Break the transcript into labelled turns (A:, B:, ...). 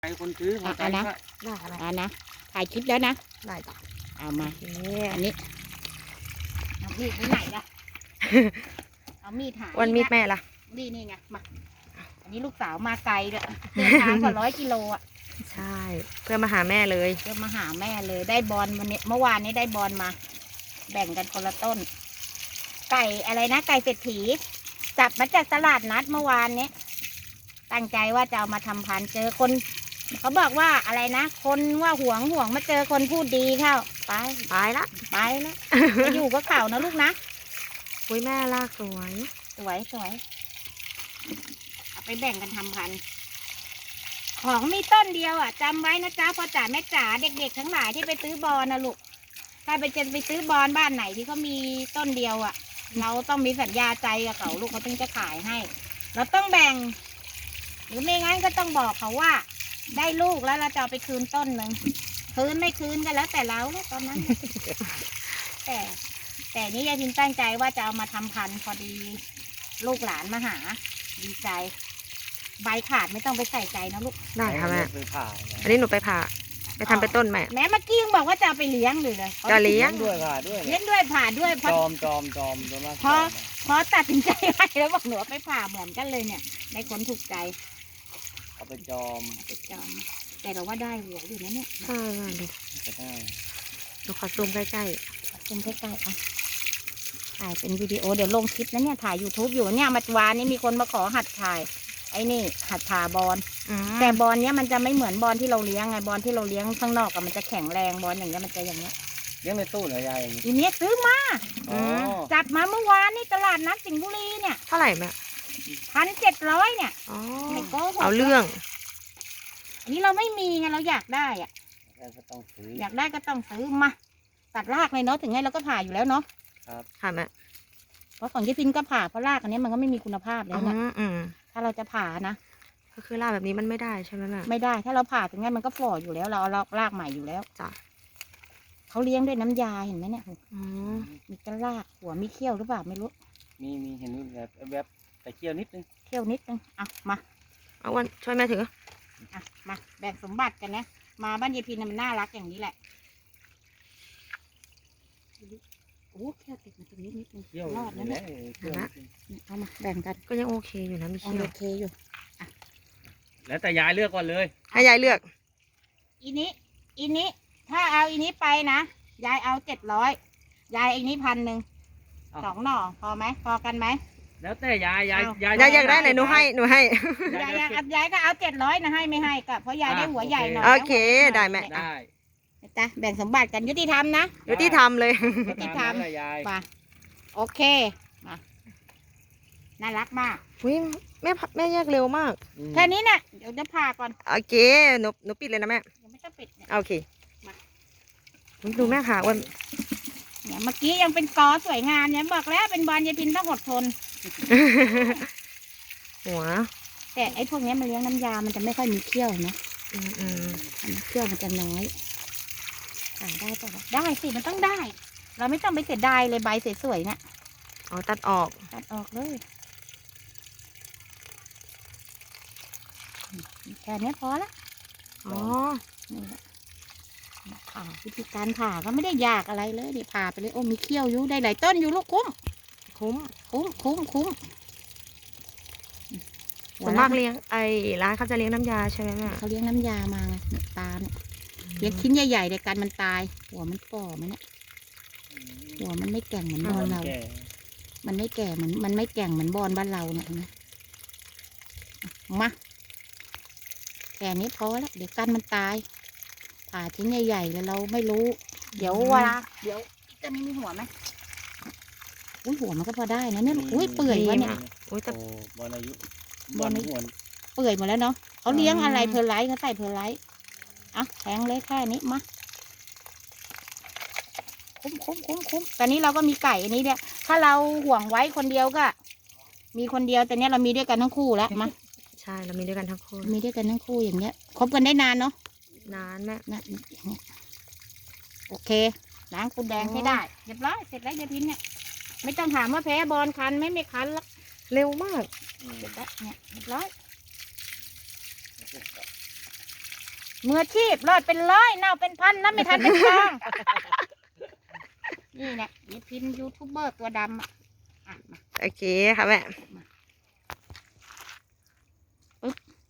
A: ใครคนซื้อมานะนะถ่ายคลิปแล้วนะได้จ้ะเอามาอันนี้เอามีดไปไหนล่ะเอามีดหา
B: วันมีดแม่ล่ะ
A: นี่ไงมาอันนี้ลูกสาวมาไกลเลยเดินทางกว่า100 กิโลอ่ะ
B: ใช่เพื่อมาหาแม่เลย
A: เพื่อมาหาแม่เลยได้บอลวันนี้เมื่อวานนี้ได้บอลมาแบ่งกันคนละต้นไก่อะไรนะไก่เศรษฐีจับมาจากตลาดนัดเมื่อวานนี้ตั้งใจว่าจะเอามาทำพันธุ์เจอคนเขาบอกว่าอะไรนะคนว่าห่วงมาเจอคนพูดดีเข้าไปละไปอยู่ก็เข่านะลูกนะ
B: คุยแม่ลากสวย
A: เอาไปแบ่งกันทำพันธุ์ของมีต้นเดียวอ่ะจำไว้นะจ๊ะพ่อจ๋าแม่จ๋าเด็กๆทั้งหลายที่ไปซื้อบอลนะลูกถ้าไปซื้อบอลบ้านไหนที่เขามีต้นเดียวอ่ะเราต้องมีสัญญาใจกับเขาลูกเขาถึงจะขายให้เราต้องแบ่งหรือไม่งั้นก็ต้องบอกเขาว่าได้ลูกแล้วเราจะเอาไปคืนต้นหนึ่งคืนไม่คืนก็แล้วแต่เราตอนนั้น แต่นี้ยายพิมตั้งใจว่าจะเอามาทำพันธุ์พอดีลูกหลานมาหาดีใจใบขาดไม่ต้องไปใส่ใจนะลูก
B: ได้ค่ะแม่อันนี้หนูไปผ่าไปทำไปต้นแม่
A: แม่เมื่อกี้ยังบอกว่าจะเอาไปเลี้ยงเลย
B: จะเลี้ยง
A: ด้วยผ่าด้วย
C: จอม
A: พอตัดสินใจให้แล้วบอกหนูไปผ่าเหมือนกันเลยเนี่ยในคนถูกใจ
C: เอาไปจอม
A: แต่เราว่าได้หัวอยู่นะเนี่ย
B: ใช่ดูหนูขอซูมใกล้
A: อ่ะถ่ายเป็นวิดีโอเดี๋ยวลงคลิปนะเนี่ยถ่าย YouTube อยู่เนี่ยมาวานนี้มีคนมาขอหัดถ่ายไอ้นี่หัดผ่าบอลแต่บอลเนี้ยมันจะไม่เหมือนบอลที่เราเลี้ยงไงบอลที่เราเลี้ยงข้างนอกกับมันจะแข็งแรงบอลอย่างเงี้ยมันจะอย่างเงี้ย
C: เลี้ยงในตู้เหรอยาย
A: อีเนี้ยซื้อมาจับมาเมื่อวานนี่ตลาดนัดสิงห์บุรีเนี่ย
B: เท่าไหร่แม่
A: 1,700เนี่ย
B: ไม่โกหกเอาเรื่อง
A: อันนี้เราไม่มีไงเราอยากได้อ่ะอยากได้ก็ต้องซื้อมาตัดรากเลยเนาะถึงไงเราก็ผ่าอยู่แล้วเนาะ
C: ครับ
B: ผ่าแม่
A: เพราะของยี่พินก็ผ่าเพราะรากอันนี้มันก็ไม่มีคุณภาพแล้วนะถ้าเราจะผ่านะ
B: ก็คือรากแบบนี้มันไม่ได้ใช่ไหมแม่
A: ไม่ได้ถ้าเราผ่าถึงไงมันก็ฝ่ออยู่แล้วเราเอารากใหม่อยู่แล้ว
B: จ้ะ
A: เขาเลี้ยงด้วยน้ำยาเห็นไหมเนี่ยมีกระรากหัวมีเขี้ยวหรือเปล่าไม่รู้
C: มีเห็นแบบแต่เขี้ยวนิดนึง
A: อ่ะมา
B: เอาวันช่วยแม่ถือ
A: อ่ะมาแบ่งสมบัติกันนะมาบ้านยายพินมันน่ารักอย่างนี้แหละโอ้แค่ติดมาตรงนี้นิดนึงรอดนะเนี่ยเอามาแบ่งกัน
B: ก็ยังโอเคอยู่นะมีเขี้ยว
A: โอเคอยู่อ่ะ
C: แล้วแต่ยายเลือกก่อนเลย
B: ให้ยายเลือก
A: อีนี้ถ้าเอาอีนี้ไปนะยายเอา700ยายอีนี้1,000 2 หน่อพอไหมพอกันไหม
C: แล้วแต่ยายอย
B: ากได้ไหนหนูให้
A: ยายก็เอา700นะให้ไม่ให้ก็เพราะยายได้หัวใหญ่หน่อย
B: โอเคได้แม่
C: ได้
A: จ้ะแบ่งสมบัติกันยุติธรรมนะ
B: ยุติธรรมเลย
A: ยุติธรรมมาโอเคมาน่ารักมาก
B: อุ้ยแม่แยกเร็วมาก
A: แค่นี้เนี่ยเดี๋ยวจะผ่าก่อน
B: โอเคหนูปิดเลยนะแม่
A: ยังไม่ต้องปิด
B: โอเคมาดูแม่ค่ะวัน
A: เนี่ยเมื่อกี้ยังเป็นกอสวยงามเนี่ยบอกแล้วเป็นบอลยายพินต้องอดทน
B: หัว
A: แต่ไอ้พวกนี้มันเลี้ยงน้ำยามันจะไม่ค่อยมีเขี้ยวนะเขี้ยวมันจะน้อยได้ป่ะได้สิมันต้องได้เราไม่ต้องไปเสียดายเลยใบสวยๆนะ
B: ตัดออก
A: เลยแค่นี้พอละนี่แหละผ่าวิธีการผ่าก็ไม่ได้ยากอะไรเลยนี่ผ่าไปเลยโอ้มีเขี้ยวอยู่ได้หลายต้นอยู่ลูกคุ้ม
B: ส่วนมากเลี้ยงร้านเขาจะเลี้ยงน้ำยาใช่ไหมแม่
A: เขาเลี้ยงน้ำยามาไงตาเนี่ยเลี้ยงชิ้นใหญ่ๆเดี๋ยวกันมันตายหัวมันฝ่อมันเนี่ยหัวมันไม่แก่งเหมือนบอลเรามันไม่แก่เหมือนมันไม่แก่งเหมือนบอลบ้านเราเนี่ยนะมาแค่นี้พอแล้วเดี๋ยวกันมันตายผ่าชิ้นใหญ่ๆแล้วเราไม่รู้เดี๋ยวจะไม่มีหัวไหมอุ้ยหัวมันก็พอได้นะเนี่ยอุ้ยเปื่อยวะเนี่ย
C: อุ้ยแต่บอลอายุบอลหัว
A: เปื่อยหมดแล้วเนาะเขาเลี้ยงอะไรเพอร์ไลท์เขาใส่เพอร์ไลท์อ่ะแทงเลยแค่นี้มาคุ้มตอนนี้เราก็มีไก่อันนี้เนี่ยถ้าเราห่วงไว้คนเดียวก็มีคนเดียวแต่เนี้ยเรามีด้วยกันทั้งคู่แล้วมา
B: ใช่เรามีด้วยกันทั้งคู่
A: อย่างเงี้ยคบกันได้นานเนาะ
B: นานแม่
A: โอเคล้างปูแดงให้ได้เรียบร้อยเสร็จแล้วยายพินเนี่ยไม่ต้องถามว่าแพ้บอลคันไม่คันแล้ว
B: เร็วมาก
A: เสร็จแล้วเนี่ยเรียบร้อยมืออาชีพรอดเป็นร้อยเน่าเป็นพันนะไม่ทันเป็นกอง นี่แหละนี่พิมพ์ยูทูบเบอร์ตัวดำอ่ะมา
B: โอเคค่ะแม่
A: มา